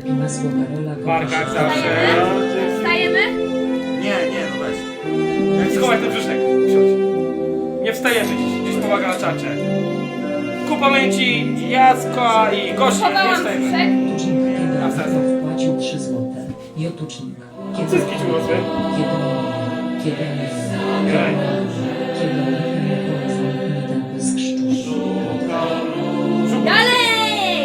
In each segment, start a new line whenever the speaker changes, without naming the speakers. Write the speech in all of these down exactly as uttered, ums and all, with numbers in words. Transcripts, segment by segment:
Pina Złokarola.
Barka jak zawsze.
Wstajemy?
Nie, nie, no weź.
Schowaj ten brzuszek. Usiądź. Nie wstajemy dziś. Dziś pomaga na czacie. Ku pamięci Jacka i Gosi. Nie
Chowałam
wstajemy.
brzuszek.
Jotucznik kiedy
Na serce.
wpłacił trzy złote. Jotucznik. Kiedy
Cycki ci urosły?
Kiedy nie. Kiedy nie.
Graj.
Kiedy nie. Zamknij ten pysk szczur.
Dalej!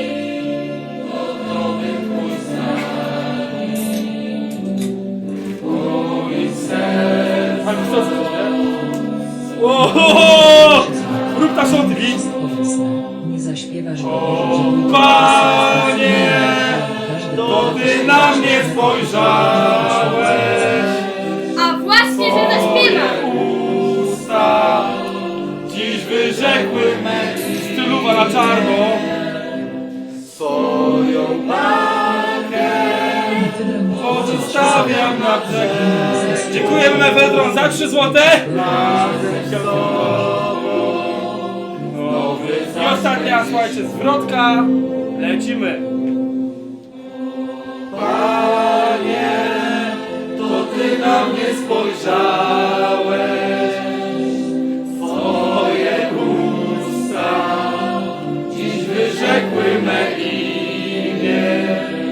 Ale to co coś, nie? Ohoho! Rób ta sądy, widz!
Powiedzmy, nie zaśpiewasz
O, Panie, to Ty na mnie spojrzałeś.
A właśnie, że zaśpiewam!
Usta dziś wyrzekły me styluwa na czarno. Swoją walkę pozostawiam na brzegu. Dziękujemy Mefedron za trzy złote. I ostatnia, słuchajcie, zwrotka. Lecimy. Panie, to Ty na mnie spojrzałeś. Twoje usta dziś wyrzekły me imię.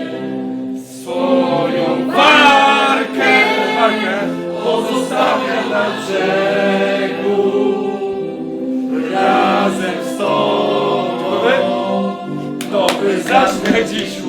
Swoją warkę, warkę pozostawiam na brzegu. Razem z Tobą, to by zaśmiać dziś